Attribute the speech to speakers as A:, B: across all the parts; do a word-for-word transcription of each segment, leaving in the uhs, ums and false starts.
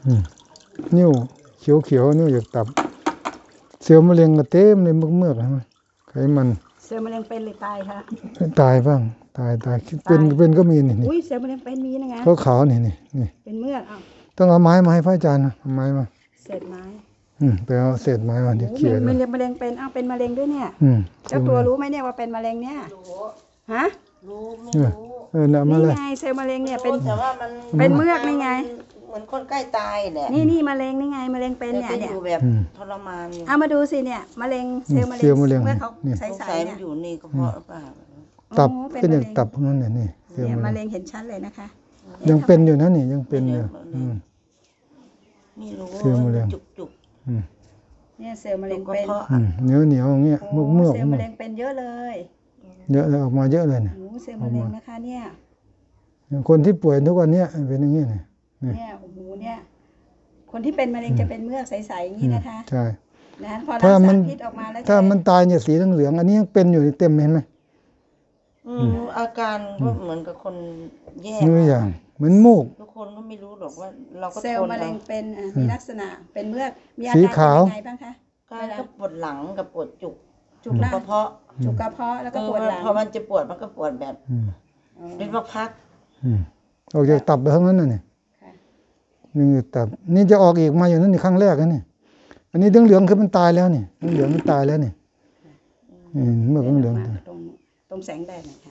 A: นิ้วเขียวเขียวนิ้วอยากตับเซลล์มะเร็งก็เต็มในเมือกๆใช่ไหมไขมัน
B: เซลล์มะเร็งเป็นหรือตายคะ
A: ตายบ้างตายตายเป็นเป็นก็มีนี่
B: อุ้ยเซลล์มะเร็งเป็นมีนะไง
A: เขาขาวนี่นี่นี่
B: เป็นเมือกอ้าว
A: ต้องเอาไม้มาให้พระอาจารย์นะเอาไม้มา
B: เศษไม้
A: อืมไปเอาเศษไม้มาเดี๋ยวเขี่ย
B: มันมะเร็งเป็นอ้าวเป็นมะเร็งด้วยเนี่ยเจ้าตัวรู้ไหมเนี่ยว่าเป็นมะเร็งเนี่ยฮะ
C: รู้ไม่รู้
A: เออเนี่ยมาเลย
B: นี่ไงเซลล์มะเร็งเนี่ยเป็น
C: แต่ว่ามัน
B: เป็นเมือกนี่ไง
C: เหมือนคนใกล้ตายแหละ
B: นี่นี่มะเร็งนี่ไงมะเร็งเป็นเนี่ยเนี่ย
C: แบบทรมาน
B: เอามาดูสิเนี่ยมะเร็งเซลล์มะเร็งเมื่อเขาใส่ใส่
C: เนี่ยอยู่นี่ก็เพราะเปล่า
A: ตับเป็นอย่างตับนั่นเนี่ยนี่
B: เซลล์มะเร็งเห็นชัดเลยนะคะ
A: ยังเป็นอยู่นะนี่ยังเป็นอยู่
C: นี่รู้
A: เซลล์มะเร็ง
C: จุกจุก
B: เนี่ยเซลล์มะเร็งเป็น
A: เหนียวเหนียวอย่างเงี้ยมุกเมือก
B: เซลล์มะเร็งเป็นเยอะเลย
A: เยอะเลยออกมาเยอะเลยเนี่ย
B: เซลล์มะเร็งนะคะเนี่ย
A: คนที่ป่วยทุกวันนี้เป็นอย่างนี้เนี่ย
B: เนี่ยโอ้โหเนี่ยคนที่เป็นมะเร็งจะเป็นเมือกใสๆอย่างนี้นะคะ
A: ใช่
B: นะพอรักษาพิษออกมาแล้ว
A: ถ้ามันตายเนี่ยสีเหลืองๆอันนี้ยังเป็นอยู่เต็มเห็นไหม
C: อืมอาการก็เหมือนกับคนแย่
A: นี่อย่างเหมือนมูก
C: ทุกคนก็ไม่รู้หรอกว่าเราก็
B: เซลล์มะเร็งเป็นมีลักษณะเป็นเมือกมีอาการยังไงบ้างคะ
C: ก็ปวดหลังกับปวดจุก
B: จุกกระเพาะจุกกระเพาะแล้วก็ปวดหลัง
C: พอมันจะปวดมันก็ปวดแบบเป็นพัก
A: ๆออกจากตับไปทั้งนั้นน่ะเนี่ยนี่ตับนี่จะออกอีกมาอย่างนั้นในครั้งแรกนะนี่อันนี้เหลืองๆคือมันตายแล้วนี่เหลืองมันตายแล้วนี่เมื่อเหลือง
B: ตรงตรงแสงแดดนะคะ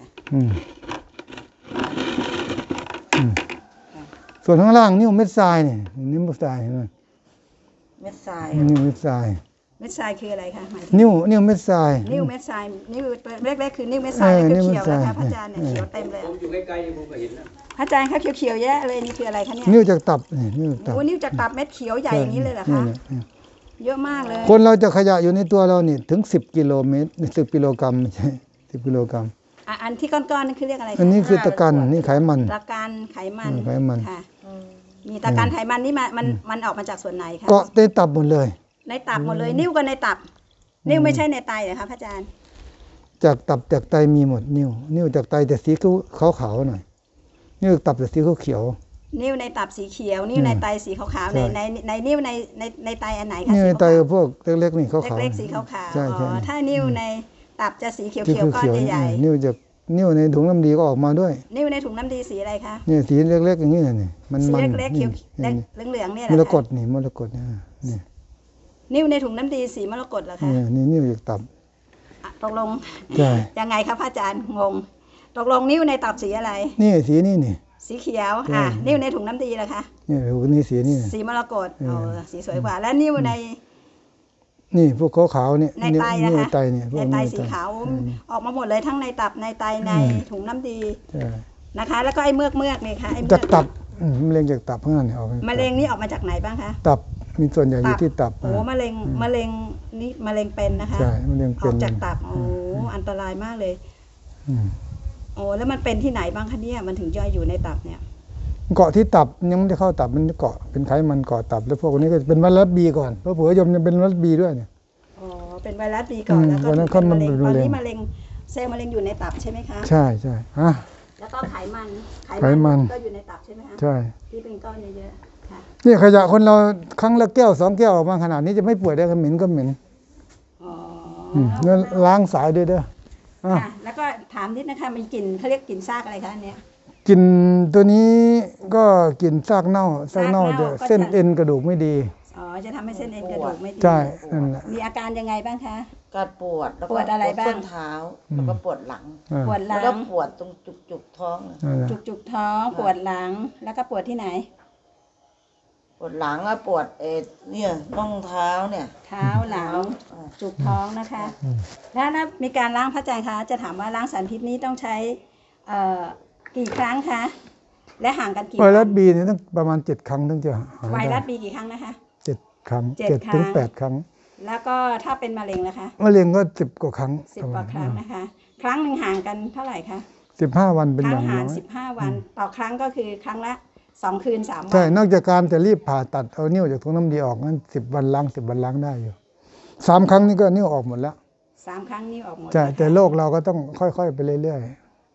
A: ส่วนข้างล่างนี่เม็ดทรายนี่นี่เม็ดทรายเห็นไหม
C: เม็ดทราย
A: นี่เม็ดทราย
B: เม็ดทรายคืออะไรคะ
A: นิ้วนิ้วเม็ดทราย
B: นิ้วเม็ดทรายนิ้วเล็กๆคือนิ้วเม็ดทรายเขียวๆนะคะพระอาจารย์เนี่ยเขียวเต็มเลยผมอยู่ใกล้ๆผมก็เห็นนะพระอาจารย์เขาเขียวๆแยะเลยนี่คืออะไรคะเนี่ย
A: นิ้วจากตับนี่นิ้วตับ
B: โอ้นิ้วจากตับเม็ดเขียวใหญ่อย่างนี้เลยเหรอคะเยอะมากเลย
A: คนเราจะขยะอยู่ในตัวเรานี่ถึงสิบกิโลเมตรสิบกิโลกรัมไม่ใช่สิบกิโลกรัม
B: อันที่ก้อนๆนั่นคือเรียกอะไร
A: อันนี้คือตะกันนี่ไขมัน
B: ตะกันไขมัน
A: ไขมัน
B: ค่ะมีตะกันไขมันนี่มันมันมันออกมาจากส่วนไหนคะ
A: เกาะในตับหมดเลย
B: ในตับหมดเลยนิ้วก็ในตับนิ้วไม่ใช่ในไตเหรอคะพระอาจารย์
A: จากตับจากไตมีหมดนิ้วนิ้วจากไตแต่สีขาวๆหน่อยนิ้วตับแต่สีเขียว
B: นิ้วในตับสีเขียวนิ้วในไตสีขาวๆในในในนิ้วในในในไตอันไหนคะ
A: นิ้วในไตพวกเล็กๆนี่ขาว
B: ๆเล็กๆสีขาวๆอ๋อถ้านิ้วในตับจะสีเขียวๆก้อนใหญ่
A: ๆนิ้วจากนิ้วในถุงน้ำดีก็ออกมาด้วย
B: นิ้วในถุงน้ำดีสีอะไรคะ
A: นี่สีเล็กๆอย่างนี้นี่มัน
B: สีเล็กๆเขียวเหลืองๆเนี่ย
A: มรกตนี่มรกตนี่
B: นิ้วในถุงน้ำดีสีมรกตเหรอคะ
A: นี่นิ้วจากตับ
B: ตกลงยังไงครับพระอาจารย์งงตกลงนิ้วในตับสีอะไร
A: นี่สีนี่นี่
B: สีเขียวอ่ะนิ้วในถุงน้ำดีล่ะคะ
A: นี่ถุงนี้สีนี่
B: สีมรกตอ๋อสีสวยกว่าแล้วนิ้วใน
A: นี่พวกขาวๆเนี่ย
B: ในไตนะคะ
A: ในไตเนี่ย
B: ในไตสีขาวออกมาหมดเลยทั้งในตับในไตในถุงน้ำดีนะคะแล้วก็ไอ้เมือกเมือกนี่ค่ะไอ้เมือก
A: จากตับมะเร็งจากตับข้างนั้นออก
B: มะเร็งนี่ออกมาจากไหนบ้างคะ
A: ตับมีส่วนใหญ่อยู่ที่ตับ
B: โอ้มะเร็งมะเร็งนี่มะเร็งเป็นนะคะ
A: ใช่มะเร็งเป็น
B: ออกจากตับโอ้อันตรายมากเลยโอ้แล้วมันเป็นที่ไหนบ้างคะเนี่ยมันถึงย่อยอยู่ในตับเนี่ย
A: เกาะที่ตับยังไม่ได้เข้าตับมันเกาะเป็นไขมันเกาะตับแล้วพวกนี้ก็เป็นไวรัสบีก่อนเพราะเผื่อยมยังเป็นไวรัสบีด้วยเนี่ย
B: อ๋อเป็นไวรัสบีก่อนแล้วก็เป็นมะเร็งตอนนี้มะเร็งเซลล์มะเร็งอยู่ในตับใช่ไหมคะ
A: ใช่ใช่ฮะ
B: แล้วก็ไขมัน
A: ไขมัน
B: ก็อยู่ในตับใช่ไหมคะ
A: ใช่
B: ที่เป็นก้อนเยอะๆค่ะ
A: นี่ขยะคนเราครั้งละแก้วสองแก้วออกมาขนาดนี้จะไม่ป่วยได้ก็เหม็นก็เหม็น
B: อ๋อ
A: แล้วล้างสายด้วยเด้อ
B: ค่ะแล้วก็ถามนิดนะคะมีกลิ่นเขาเรียกกลิ่นซากอะไรคะอันเนี้ย
A: กลิ่นตัวนี้ก็กลิ่นซากเน่าซากเน่าจะเส้นเอ็นกระดูกไม่ดี
B: อ๋อจะทำให้เส้นเอ็นกระดูกไม่ดี
A: ใช่นั่นแหละ
B: มีอาการยังไงบ้างคะ
C: การปวด
B: ปวดอะไรบ้าง
C: ส้นเท้าแล้วก็ปวดหลัง
B: ปวดหลัง
C: แล้วก็ปวดตรงจุกจุกท้อง
B: จุกจุกท้องปวดหลังแล้วก็ปวดที่ไหน
C: ปวดหลังอะปวดเอ็ดเนี่ยน่องเท้าเนี่ย
B: เท้าหลังจุกท้องนะคะแล้วถ้ามีการล้างพระอาจารย์คะจะถามว่าล้างสารพิษนี้ต้องใช้กี่ครั้งคะและห่างกันกี่
A: ไวรัสบีเนี่ยต้องประมาณเจ็ดครั้งถึงจะ
B: ไวรัสบีกี่ครั้งนะคะ
A: เจ็ดครั้งเจ็ดถึงแปดครั้ง
B: แล้วก็ถ้าเป็นมะเร็งนะคะ
A: มะเร็งก็สิบกว่าครั้ง
B: สิบกว่าครั้งนะคะครั้งหนึ่งห่างกันเท่าไหร่คะ
A: สิบห้าวันเป็นอย่างน้อย
B: สิบห้าวันต่อครั้งก็คือครั้งละสองคืนสามวัน
A: ใช่นอกจากการจะรีบผ่าตัดเอานิ้วจากถุงน้ำดีออกนั้นสิบวันล้างสิบวันล้างได้อยู่สามครั้งนี้ก็นิ้วออกหมดแล้ว
B: สามครั้งนิ้วออกหมด
A: ใช่แต่โรคเราก็ต้องค่อยๆไปเรื่อยๆ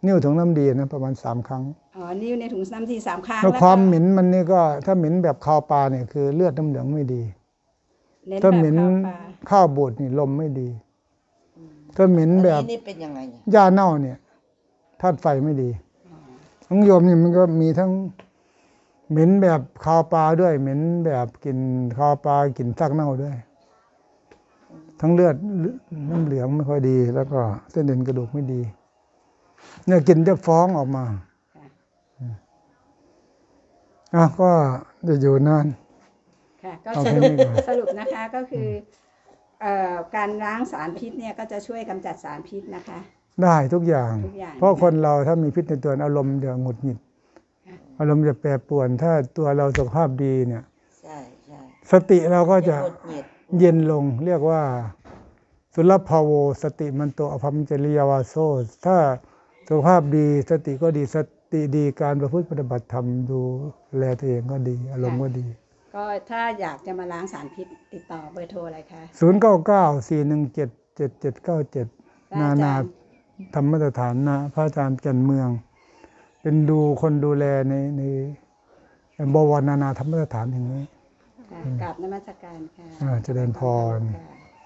A: นิ้วถุงน้ำดีนะประมาณสามครั้ง
B: อ๋อนิ้วในถุงน้ำทีสามครั้ง
A: แล้ว
B: ก็
A: ความเหม็นมันนี่ก็ถ้าเหม็นแบบคาวปลาเนี่ยคือเลือดน้ำเหลืองไม่ดี
B: เน้น
A: ถ้า
B: แบบ
A: เหม็น
B: ข้าวปลา
A: ข้าวบูดนี่ลมไม่ดี ถ้าเหม็น
C: อัน
A: แบบ
C: นี้นี่เป็นยังไงเนี่ย
A: หญ้าเน่าเนี่ยธาตุไฟไม่ดีของโยมนี่มันก็มีทั้งเหม็นแบบคาวปลาด้วย เหม็นแบบกลิ่นคาวปลากลิ่นซากเน่าด้วย ทั้งเลือดน้ำเหลืองไม่ค่อยดี แล้วก็เส้นเอ็นกระดูกไม่ดี เนี่ยกลิ่นจะฟ้องออกมาอ่ะก็จะอยู่นาน
B: ค่ะก็
A: เอา
B: ส
A: แค่
B: รุป
A: นี้ก่อน
B: สรุปนะคะก็คือเอ่อการล้างสารพิษเนี่ยก็จะช่วยกำจัดสารพิษนะคะ
A: ได้ทุกอย่าง
B: ทุกอย่าง
A: เพราะคนเราถ้ามีพิษในตัวอารมณ์จะหงุดหงิด อารมณ์จะแปรปรวน ถ้าตัวเราสุขภาพดีเนี่ย
C: ใช่ใช่
A: สติเราก็จะ
C: หงุดหงิด
A: เย็นลง เรียกว่า สุลภาโวสติมันโตอภัมจริยวาโซ ถ้าสุขภาพดีสติก็ดีสติดีการประพฤติปฏิบัติธรรมดูแลตัวเองก็ดี อารมณ์ก็ดี
B: ก็ถ้าอยากจะมาล้างสารพิษติดต่อเบอร์โทรอะไรคะ
A: ศูนย์ เก้า เก้า สี่ หนึ่ง เจ็ด เจ็ด เจ็ด เก้า เจ็ด นา
B: อาจา
A: นา
B: รย์
A: ธรรมสถานนะพระอาจารย์จันเมือง เป็นดูคนดูแลในในบวรนานาธรรมสถานแห่งนี้
B: ค่ะกราบนมัสการค่ะ
A: อ่าเจริญพร
B: ค่ะ